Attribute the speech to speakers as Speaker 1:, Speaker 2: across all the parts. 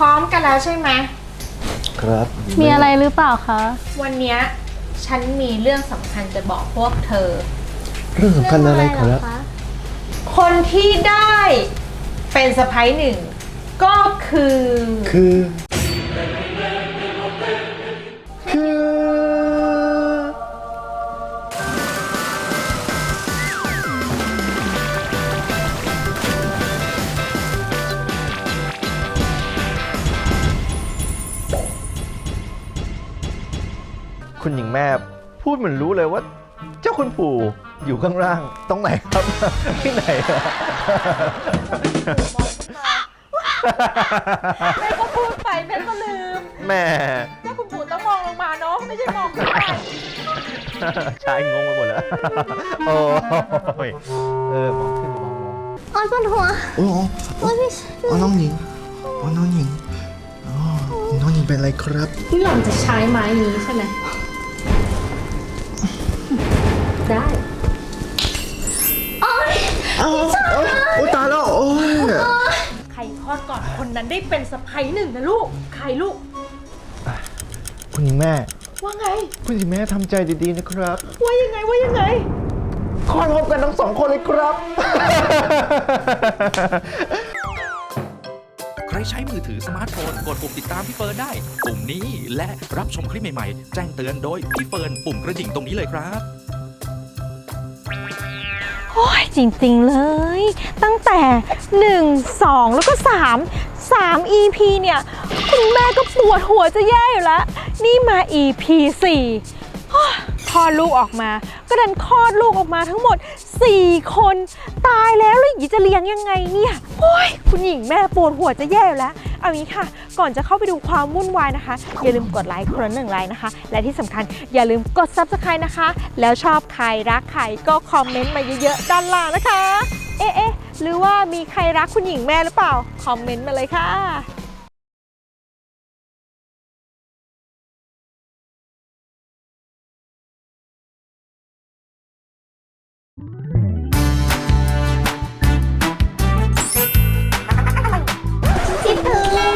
Speaker 1: ร้อมกันแล้วใช่ไหม
Speaker 2: ครับ
Speaker 3: มีอะไรหรือเปล่าคะ
Speaker 1: วันนี้ฉันมีเรื่องสำคัญจะบอกพวกเธอ
Speaker 2: เรื่องสำคัญอะไรครับ
Speaker 1: คนที่ได้เป็นสะใภ้หนึ่งก็คือ
Speaker 2: คุณหญิงแม่พูดเหมือนรู้เลยว่าเจ้าคุณปู่อยู่ข้างล่างตรงไหนครับที่ไหน
Speaker 1: แม่ก็พูดไปแม่ก็ลืม
Speaker 2: แม่
Speaker 1: เจ้าคุณปู่ต้องมองลงมาเนาะไม่ใช่มองขึ้นไป
Speaker 2: ชายงงไปหมดแล้วโอ้ยมองขึ้นมองลง
Speaker 3: อ๋อปวดหัว
Speaker 2: โอ้น้องหญิงน้องหญิงน้องหญิงเป็นอะไรครับ
Speaker 3: นี่หล่อนจะใช้ไม้นี้ใช่ไหมได้
Speaker 2: โอ้ตายแล้วโอ้ย
Speaker 1: ใครคลอดก่อนคนนั้นได้เป็นสะใภ้หนึ่งนะลูกใครลูก
Speaker 2: คุณหญิงแม่
Speaker 1: ว่าไง
Speaker 2: คุณหญิงแม่ทำใจดีๆนะครับ
Speaker 1: ว่ายังไง
Speaker 2: คลอดพร้อมกันทั้งสองคนเลยครับ
Speaker 4: ใครใช้มือถือสมาร์ทโฟนกดปุ่มติดตามพี่เฟิร์นได้ปุ่มนี้และรับชมคลิปใหม่ๆแจ้งเตือนโดยพี่เฟิร์นปุ่มกระดิ่งตรงนี้เลยครับ
Speaker 3: โอ้ยจริงๆเลยตั้งแต่1 2แล้วก็3 EP เนี่ยคุณแม่ก็ปวดหัวจะแย่อยู่แล้วนี่มา EP 4คลอดลูกออกมาก็ดันคลอดลูกออกมาทั้งหมด4 คนตายแล้วหญิงจะเลี้ยงยังไงเนี่ยโอ้ยคุณหญิงแม่ปวดหัวจะแย่อยู่แล้วเอางี้ค่ะก่อนจะเข้าไปดูความวุ่นวายนะคะอย่าลืมกดไลค์คนละ1 ไลค์นะคะและที่สำคัญอย่าลืมกด Subscribe นะคะแล้วชอบใครรักใครก็คอมเมนต์มาเยอะๆด้านล่างนะคะเอ๊ะหรือว่ามีใครรักคุณหญิงแม่หรือเปล่าคอมเมนต์มาเลยค่ะพี่พื้นมา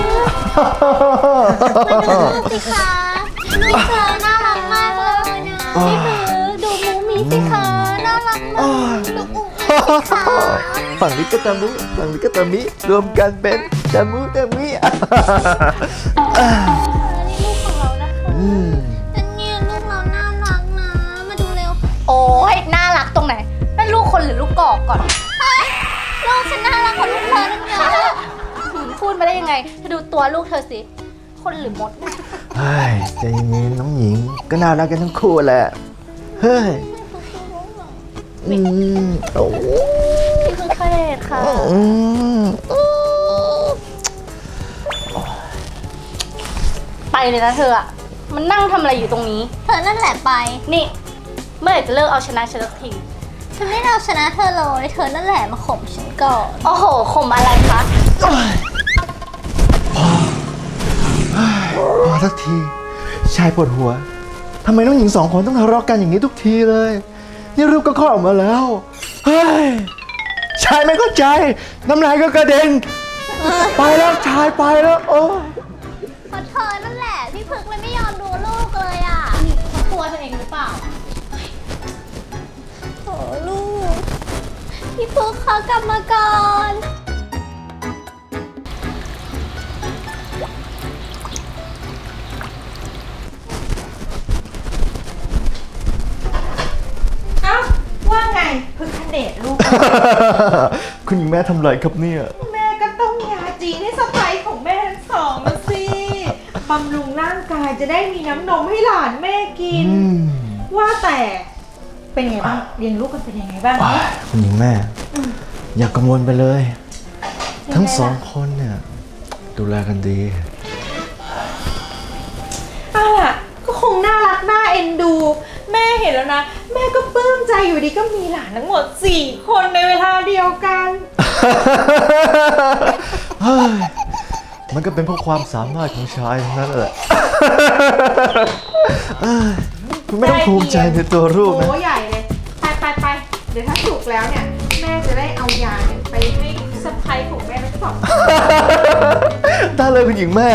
Speaker 3: ดูสิคะลูกเธอน่ารักมากเลยนะพี่พื้นดูมูมีสิคะน่ารักมากดูอุ้งอิ๊งสิคะ
Speaker 2: ฝั่งนี้ก็ตามุฝั่งนี้ก็ตามิรวมกันเป็นตามุตามิ
Speaker 3: นี่ลูกของเรานะคะแต่เนี่ยลูกเราน่ารักนะมาดูเร็วโอ้ยน่ารักตรงไหนนั่นลูกคนหรือลูกกอกก่อนลูกฉันน่ารักกว่าลูกเธอตั้งเยอะพูดมาได้ยังไงเธอดูตัวลูกเธอสิคนหรือมด
Speaker 2: เฮ้ยใจเย็นๆน้องหญิงก็น่ารักกันทั้งคู่แหละเฮ้ยโอ้
Speaker 3: พี่คือเคยค่ะไปเลยนะเธออะมันนั่งทำอะไรอยู่ตรงนี้เธอนั่นแหละไปนี่เมื่อไหร่จะเลิกเอาชนะฉันสักทีฉันไม่ได้เอาชนะเธอเลยเธอนั่นแหละมาข่มฉันก่อนโอ้โหข่มอะไรคะ
Speaker 2: พอสักทีชายปวดหัวทำไมน้องหญิง2 คนต้องทะเลาะกันอย่างนี้ทุกทีเลยนี่รูปก็คลอดออกมาแล้วเฮ้ยชายไม่เข้าใจน้ำลายก็กระเด็นไปแล้วชายไปแล้วโอ้
Speaker 3: เพราะเธอนั่นแหละพี่พึกเลยไม่ยอมดูลูกเลยอ่ะเขาตัวเธอเองหรือเปล่าโอ้ลูกพี่พึกเขากลับมาก่อน
Speaker 1: ว่าไงพึ่งคเนตลูก
Speaker 2: คุณหญิงแม่ทำไรครับเนี่ย
Speaker 1: แม่ก็ต้องยาจีนให้สะใภ้ของแม่ทั้งสองนะสิบำรุงร่างกายจะได้มีน้ำนมให้หลานแม่กินว่าแต่เป็นไงบ้างเลี้ยงลูกกันเป็นยังไงบ้าง
Speaker 2: คุณหญิงแม่อย่ากังวลไปเลยทั้ง2 คนเนี่ยดูแลกันดี
Speaker 1: ก็คงน่ารักน่าเอ็นดูแม่เห็นแล้วนะแม่ก็ปลื้มใจอยู่ดีก็มีหลานทั้งหมด4 คนในเวลาเดียวกัน
Speaker 2: มันก็เป็นเพราะความสามารถของชายทั้งนั้นแหละคุณไม่ต้องภูมิใจในตัวลูกนะ
Speaker 1: โอ้ใหญ่เลยไปเดี๋ยวถ้าสุกแล้วเนี่ยแม่จะได้เอายาไปให้สะใภ้ของแม่ทั้งสอง
Speaker 2: ได้ากเลยคุณหญิงแม่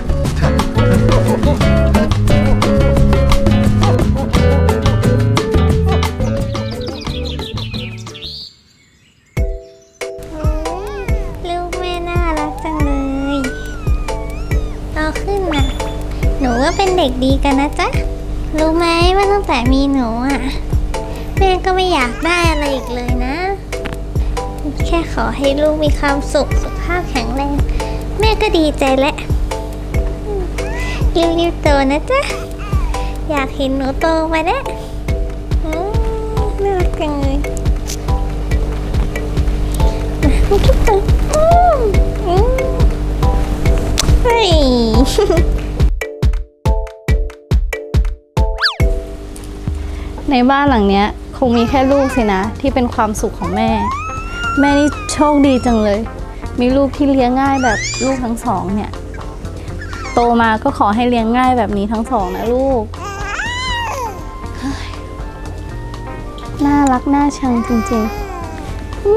Speaker 5: ลูกแม่น่ารักจังเลยโตขึ้นนะหนูก็เป็นเด็กดีกันนะจ๊ะ รู้ไหมว่าตั้งแต่มีหนูอ่ะ แม่ก็ไม่อยากได้อะไรอีกเลยนะ แค่ขอให้ลูกมีความสุขสุขภาพแข็งแรง แม่ก็ดีใจแล้วรีบๆโตนะจ๊ะ อยากเห็นหนูโตมาแล้วน่ารักจังเลยมาคิดตัวเฮ้ย
Speaker 6: ในบ้านหลังเนี้ยคงมีแค่ลูกสินะที่เป็นความสุขของแม่ แม่นี่โชคดีจังเลย มีลูกที่เลี้ยงง่ายแบบลูกทั้งสองเนี่ย โตมาก็ขอให้เลี้ยงง่ายแบบนี้ทั้งสองนะลูกเฮ้ยน่ารักน่าชังจริงๆ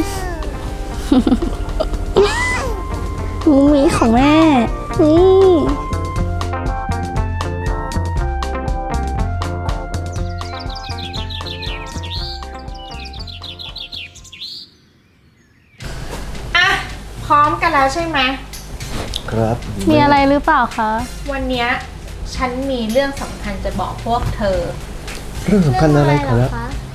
Speaker 6: มุ้งมิ้งของแม่นี่
Speaker 1: อ่ะ พร้อมกันแล้วใช่ไหม
Speaker 2: ครับ
Speaker 6: มีอะไรหรือเปล่าคะ
Speaker 1: วันเนี้ยฉันมีเรื่องสำคัญจะบอกพวกเธอ
Speaker 2: เรื่องสำคัญอะไรครับ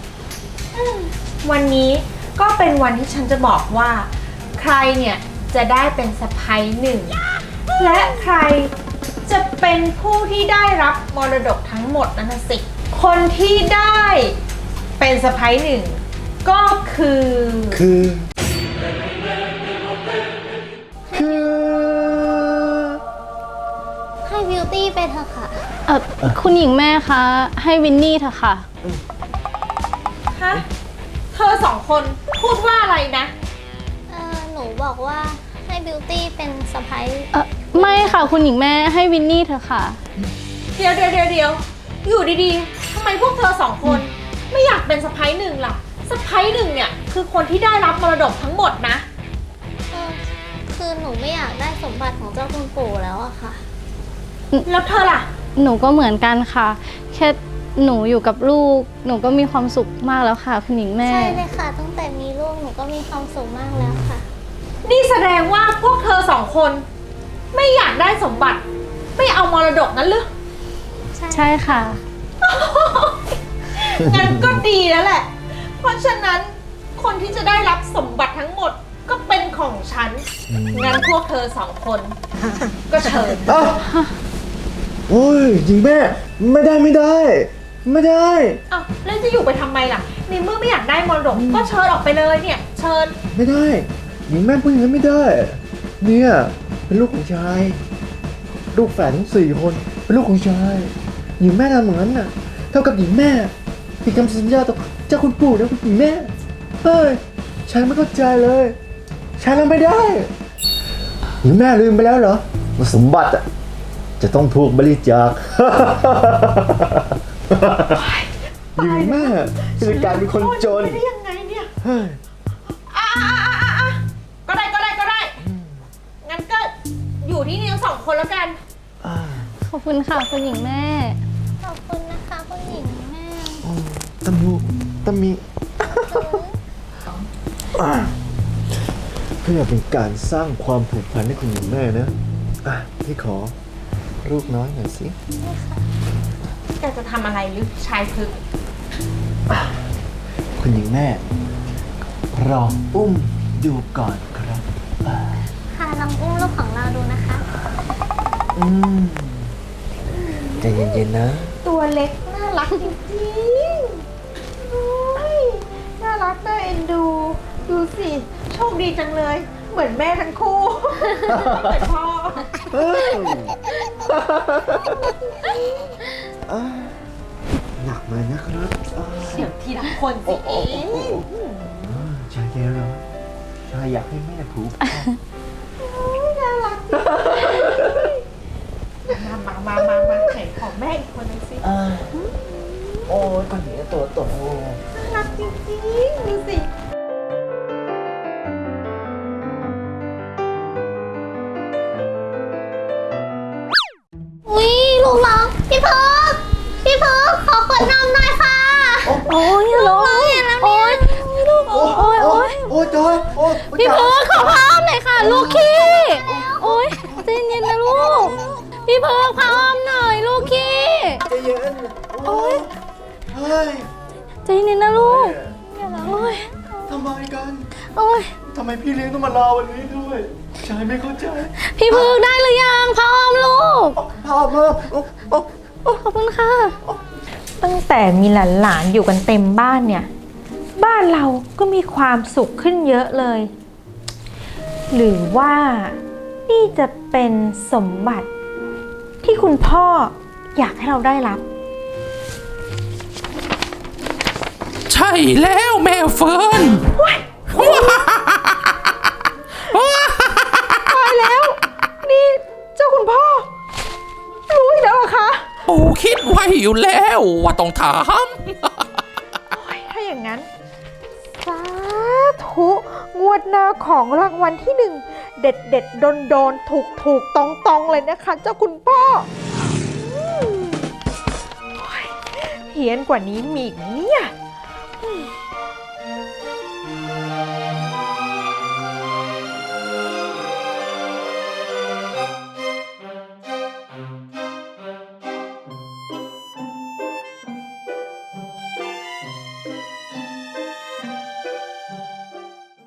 Speaker 1: วันนี้ก็เป็นวันที่ฉันจะบอกว่า ใครเนี่ยจะได้เป็นสะใภ้หนึ่ง และใครจะเป็นผู้ที่ได้รับมรดกทั้งหมดนั่นนะสิ คนที่ได้เป็นสะใภ้หนึ่งก็คือ
Speaker 2: คือ
Speaker 5: ให้บิวตี้ไปเถอะค่ะ
Speaker 6: คุณหญิงแม่คะให้วินนี่เถอะค่ะ
Speaker 1: ฮะ เธอสองคนพูดว่าอะไรนะ
Speaker 5: หนูบอกว่าให้บิวตี้เป็นสะพ้าย
Speaker 6: ไม่ค่ะคุณหญิงแม่ให้วินนี่เถอะค่ะ
Speaker 1: เดี๋ยวอยู่ดีๆทำไมพวกเธอสองคนไม่อยากเป็นสะใภ้หนึ่งล่ะ สะใภ้หนึ่งเนี่ยคือคนที่ได้รับมรดกทั้งหมดนะ
Speaker 5: คือหนูไม่อยากได้สมบัติของเจ้าคุณปู่แล้วอะค่ะ
Speaker 1: แล้วเธอล่ะ
Speaker 6: หนูก็เหมือนกันค่ะ แค่หนูอยู่กับลูก หนูก็มีความสุขมากแล้วค่ะ คุณหญิงแม่
Speaker 5: ใช่เลยค่ะ ตั้งแต่มีลูกหนูก็มีความสุขมากแล้วค่ะ
Speaker 1: นี่แสดงว่าพวกเธอสองคนไม่อยากได้สมบัติ ไม่เอามรดกนั้นหรือ
Speaker 6: ใช่ค่ะ
Speaker 1: งั้นก็ดีแล้วแหละ เพราะฉะนั้นคนที่จะได้รับสมบัติทั้งหมดก็เป็นของฉัน งั้นพวกเธอสองคนก็เชิญ
Speaker 2: อ้าวโอ้ยหญิงแม่ ไม่ได้ ไม่ได้
Speaker 1: อ้าวแล้วจะอยู่ไปทำไมล่ะ ในเมื่อไม่อยากได้มรดกก็เชิญออกไปเลยเนี่ย เชิญ
Speaker 2: ไม่ได้ หญิงแม่พูดอย่างนั้นไม่ได้ เนี่ยเป็นลูกของชาย ลูกแฝดทั้ง4 คนเป็นลูกของชาย หญิงแม่ทำเหมือนนั้นน่ะ เท่ากับหญิงแม่ผิดคำสัญญาต่อเจ้าคุณปู่นะคุณหญิงแม่ เฮ้ยชายไม่เข้าใจเลยชายทำไม่ได้ หญิงแม่ลืมไปแล้วเหรอว่าสมบัติอ่ะจะต้องถูกบริจาค หญิงแม่จะกลายเป็นคนจน
Speaker 1: ไปได้ยังไงเนี่ย
Speaker 2: เฮ้ย
Speaker 1: อ่ะก็ได้ งั้นก็อยู่ที่นี่ทั้งสองคนแล้วกัน
Speaker 6: ขอบคุณค่ะคุณหญิงแม่
Speaker 5: ขอบคุณนะคะคุณหญิงแม่
Speaker 2: ตำมีเพื่อเป็นการสร้างความผูกพันให้คุณหญิงแม่นะพี่ขอลูกน้อยหน่อยสิ
Speaker 1: แกจะทำอะไรหรือชายพึกษ์
Speaker 2: คุณหญิงแม่รออุ้มดูก่อนครับ
Speaker 5: ค่ะลองอุ้มลูกของเราดูนะคะ
Speaker 2: ใจเย็นๆนะ
Speaker 1: ตัวเล็กน่ารักจริงๆโอ้ยน่ารักน่าเอ็นดู ดูสิ โชคดีจังเลย เหมือนแม่ทั้งคู่เหมือนพ่อ
Speaker 2: หนักมานะครับ
Speaker 1: เดี๋ยวทีละคนสิเอง
Speaker 2: ชายเย็นเหรอชายอยากให้แม่ผูก
Speaker 1: น่ารักมาไหนของแม่อีกคนนึงสิ
Speaker 2: โอ้ยคนนี้ตัวโต
Speaker 1: น่ารักจริงๆ ดูสิ ดูสิ
Speaker 2: อ
Speaker 6: พี่เพิร์กขอพร้อมหน่อยค่ะ ลูกขี้โอ๊ยใจเย็นนะลูก พี่เพิร์กพร้อมหน่อยลูกขี้
Speaker 2: ใจเย็นโอ้ยเฮ้ย
Speaker 6: ใจเย็นนะลูกโอ๊ย
Speaker 2: ทำไมกัน
Speaker 6: โอ๊ย
Speaker 2: ทำไมพี่เลี้ยงต้องมารอวันนี้ด้วยชายไม่เข้าใจ
Speaker 6: พี่เพิร์กได้หรือยังพร้อมลูก
Speaker 2: พามา
Speaker 6: ขอบคุณค่ะ
Speaker 3: ตั้งแต่มีหลานๆอยู่กันเต็มบ้านเนี่ย บ้านเราก็มีความสุขขึ้นเยอะเลย หรือว่านี่จะเป็นสมบัติที่คุณพ่ออยากให้เราได้รับ
Speaker 4: ใช่แล้วแม่เฟิร์น
Speaker 3: ตายแล้ว นี่เจ้าคุณพ่อ รู้อีกแล้วเหรอคะ
Speaker 4: ปู่คิดไว้อยู่แล้วว่าต้องถาม
Speaker 3: ถ้าอย่างนั้นสาธุงวดหน้าของรางวัลที่หนึ่งเด็ดเด็ดโดนโดนถูกถูกตองตองเลยนะคะ เจ้าคุณพ่อโอ้ยเฮี้ยนกว่านี้มีอีกไหมเนี่ย